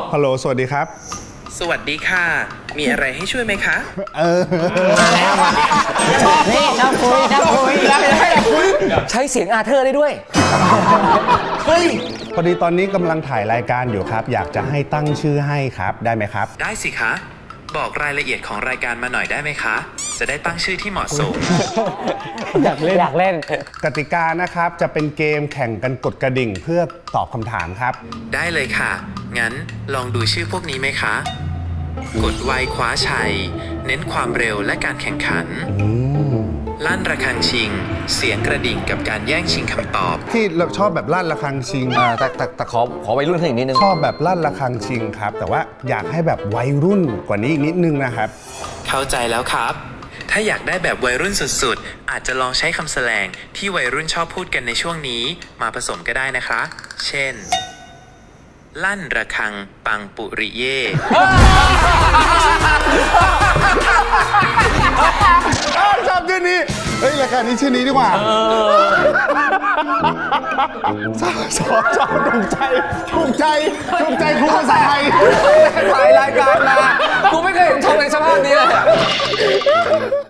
ฮัลโหลสวัสดีครับสวัสดีค่ะ มีอะไรให้ช่วยไหมคะนี่ชอบคุยใช้เสียงอาเธอร์ได้ด้วยพอดีตอนนี้กำลังถ่ายรายการอยู่ครับ อยากจะให้ตั้งชื่อให้ครับ ได้ไหมครับได้สิคะ บอกรายละเอียดของรายการมาหน่อยได้ไหมคะ จะได้ตั้งชื่อที่เหมาะสมอยากเล่นกติกานะครับจะเป็นเกมแข่งกันกดกระดิ่งเพื่อตอบคำถามครับได้เลยค่ะ งั้นลองดูชื่อพวกนี้ไหมคะ กดไวคว้าชัย เน้นความเร็วและการแข่งขัน ลั่นระฆังชิง เสียงกระดิ่งกับการแย่งชิงคำตอบที่เราชอบแบบลั่นระฆังชิงแต่ขอวัยรุ่นขึ้นอีกนิดนึงชอบแบบลั่นระฆังชิงครับ แต่ว่าอยากให้แบบวัยรุ่นกว่านี้อีกนิดนึงนะครับเข้าใจแล้วครับ ถ้าอยากได้แบบวัยรุ่นสุดๆ อาจจะลองใช้คำแสลงที่วัยรุ่นชอบพูดกันในช่วงนี้มาผสมก็ได้นะคะ เช่น ลั่นระฆังปังปุริเย่ชอบชื่อนี้ เฮ้ยรายการนี้ชื่อนี้ดีกว่าชอบถูกใจครูภาษาไทยถ่ายรายการ